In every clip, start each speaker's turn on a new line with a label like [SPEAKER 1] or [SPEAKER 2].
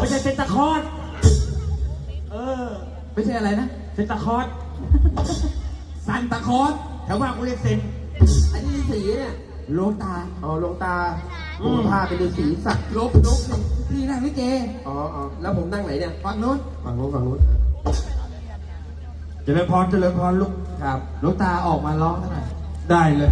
[SPEAKER 1] ไม่ใช่เซนตาคอร์ส
[SPEAKER 2] ไม่ใช่อะไรนะ
[SPEAKER 1] เซนตาคอร์ส
[SPEAKER 2] ซันตาคอส
[SPEAKER 1] แถวบ้านกูเรียกเซน
[SPEAKER 3] อันนี้สีเนี่ย
[SPEAKER 2] โลตา
[SPEAKER 3] อ๋อลงตาผมพาไปดูสีสัก
[SPEAKER 2] ลบพี่นั่งลิเก
[SPEAKER 3] อ๋อแล้วผมนั่งไหนเนี่ย
[SPEAKER 2] ฝั่งนู้น
[SPEAKER 1] เจริญพรลูก
[SPEAKER 3] ครับ
[SPEAKER 2] โลตาออกมาร้องหน่อย
[SPEAKER 1] ได้เลย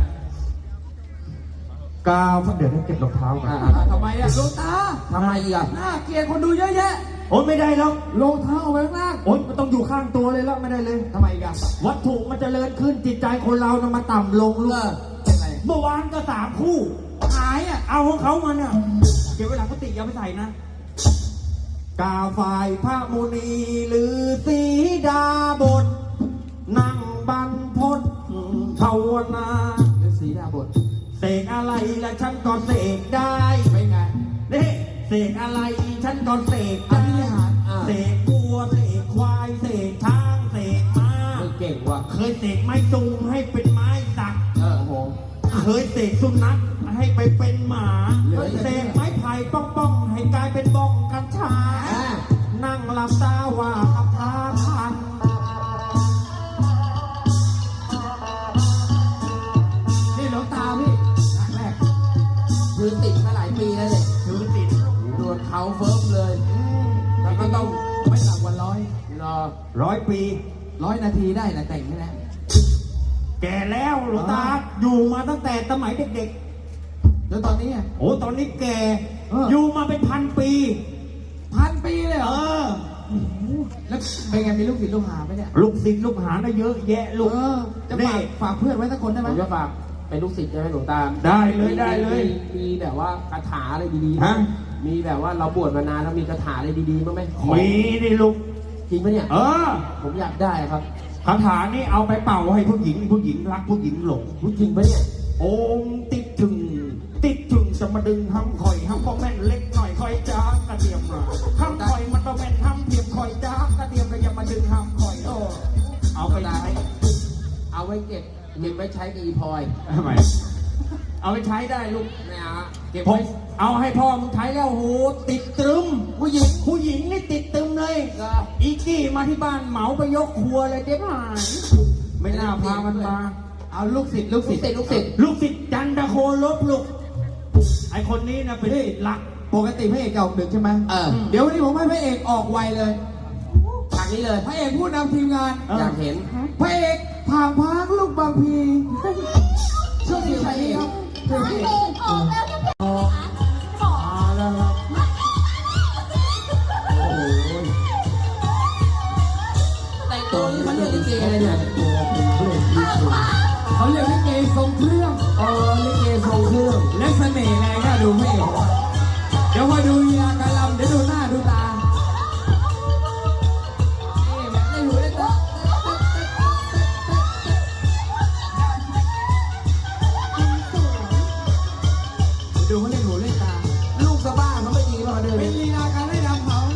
[SPEAKER 1] กาวเดี๋ยวให้เก็บรองเท้าก่อน
[SPEAKER 2] ทำไมอะโลตา
[SPEAKER 3] ทำไมอีกอ่ะ
[SPEAKER 2] น่าเกลียดคนดูเยอะแยะ
[SPEAKER 1] โอ๊ยไม่ได้แล้ว
[SPEAKER 2] รองเท้าเอาไว้ข้างล่าง
[SPEAKER 1] โอ๊ยมันต้องอยู่ข้างตัวเลยแล้วไม่ได้เลย
[SPEAKER 2] ทำไมกัน
[SPEAKER 1] วัตถุมันจเจริญขึ้นจิตใจคนเรานะมาต่ำลงลูกเมื่อวานก็3 คู่
[SPEAKER 2] หายอ่ะ
[SPEAKER 1] เอาของเขามาเนี่ยเก็บไว้หลังกุฏิอย่าไปใส่นะกาฝ่ายพระมุนีหรือสีดาบทนั่งบรรพตภาวนา
[SPEAKER 2] หรือสีดาบท
[SPEAKER 1] เสกอะไรและฉันก็เสกได้
[SPEAKER 2] ไปไง
[SPEAKER 1] นี่เสกอะไรฉันก็เสกได้เสกบัวเสกควายเสกช้างเสกม้า
[SPEAKER 3] เก่งว่ะ
[SPEAKER 1] เคยเสกไม้ตูงให้เป็นไม้สักเคยเสกสุนัขให้ไปเป็นหมาเสกไม้ไผ่ป้องให้กลายเป็นบ้องกัญชานั่งหลับตาว่าขับพาพัน
[SPEAKER 2] นี่หลวงตาพี่ครั้งแรก
[SPEAKER 3] ถือติดมาหลายปีแล้วเนี่ย
[SPEAKER 1] ถือติด
[SPEAKER 3] โดนเขาเฟิร์มเลย
[SPEAKER 2] แล้วก็ต้องไม่ต่ำกว่า
[SPEAKER 1] 100 ปี
[SPEAKER 2] 100 นาทีได้นะแต่งใช่ไหม
[SPEAKER 1] แก่แล้วหลวงตาอยู่มาตั้งแต่สมัยเด็ก
[SPEAKER 2] ๆแล้วตอนนี้อ่ะ
[SPEAKER 1] โอ้ตอนนี้แก่อยู่มาเป็น1,000 ปี
[SPEAKER 2] 1,000 ปีเลยเหรอแล้วเป็นไงมีลูกศิษย์ลูกหาไหมเนี่ย
[SPEAKER 1] ลูกศิษย์ลูกหาได้เยอะแยะลูก
[SPEAKER 2] จะฝากเพื่อนไว้สักคนได้ไหม
[SPEAKER 3] ผมจะฝากเป็นลูกศิษย์ใช่ไหมหลวงตา
[SPEAKER 1] ได้เลย
[SPEAKER 3] มีแบบว่าคาถาอะไรดีๆฮะมีแบบว่าเราบวชมานานแล้วมีคาถาอะไรดีๆมั้ยไหม
[SPEAKER 1] มีดิลูก
[SPEAKER 3] จริงปะเนี่ยผมอยากได้ครับ
[SPEAKER 1] คาถานี่เอาไปเป่าให้ผู้หญิงรักผู้หญิงหลง
[SPEAKER 3] จริงปะเนี่ย
[SPEAKER 1] โอมติดถึงจะมาดึงห้ำคอยห้ำก็แม่นเล็กหน่อยคอยจ้ากระเทียมมาห้ำคอยมันต้องแม่นห้ำเทียมคอยจ้ากระเทียมก็อย่ามาดึงห้ำคอยเอาไปใช้
[SPEAKER 3] เอาไว้เก็บไว้ใช้กับอีพลอย
[SPEAKER 1] ทำไมเอาไปใช้ได้ลูก
[SPEAKER 3] ไม่เอา
[SPEAKER 1] เก็บไว้เอาให้พ่อมึงใช้แล้วโหติดตรึมผู้หญิงนี่ติดตรึมเลยอีกี้มาที่บ้านเหมาไปยกครัวเลยเจ๊หายไม่น่าพามันมา
[SPEAKER 2] เอาลูกศิษย์
[SPEAKER 1] จันทโคลบลูกไอคนนี้นะเป็นหลัก
[SPEAKER 2] ปกติพระเอกจะออกดึกใช่ไหมเดี๋ยววันนี้ผมให้พระเอกออกไวเลย
[SPEAKER 3] ทางนี้เลย
[SPEAKER 2] พระเอกพูดนำทีมงาน
[SPEAKER 3] อยากเห็น
[SPEAKER 2] พระเอกผ่างพักลูกบางพีช่วยดีใช่ครับ
[SPEAKER 4] พระเอกออกแล้วจะเป็น
[SPEAKER 2] แล้วครับ
[SPEAKER 3] แต่งตัวนี้มันเรียกลิเกเลยเนี่ย
[SPEAKER 2] เขาเรียกลิเกทรงเครื่อง
[SPEAKER 3] ลิเกทรงเครื่อง
[SPEAKER 2] และเสน่ห์ไงก็ดูไม่เอกเดี๋ยวพอดูลีลาการลำเดี๋ยวดูหน้าดูตานี่แบบได้หูได้ตาดูเขาเล่นหูเล่นตา
[SPEAKER 3] ลูกสะบ้าเขาไม่ดีมาเดิน
[SPEAKER 2] เป็นลีลาการได้รำเขา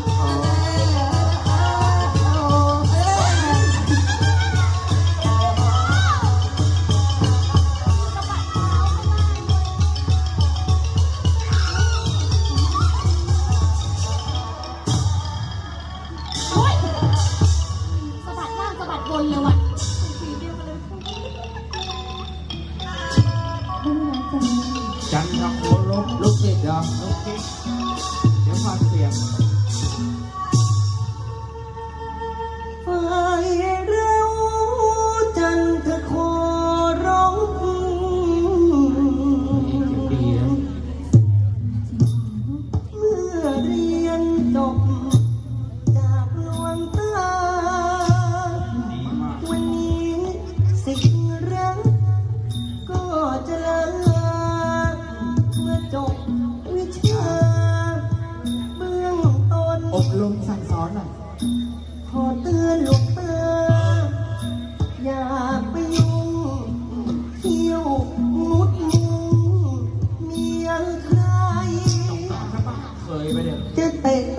[SPEAKER 1] จันทโคลบ
[SPEAKER 3] ลูกศิษย์เหรอ
[SPEAKER 1] ลูกศิษย์เดี๋ยวฟังเสียง
[SPEAKER 3] ไฟเร็วจันทโคลบดีนะเมื่อเรียนจบจากดวงตาวันนี้สิ่งรักก็จะลาจบวิชาเบื้องต้น
[SPEAKER 2] อบรมสั่งสอนหน่อย
[SPEAKER 3] ขอเตือนหลวงตาอย่าไปยุ่งเที่ยวมุดมุงเมียใคร
[SPEAKER 1] เคยไปเนี่ย
[SPEAKER 3] จะเตะ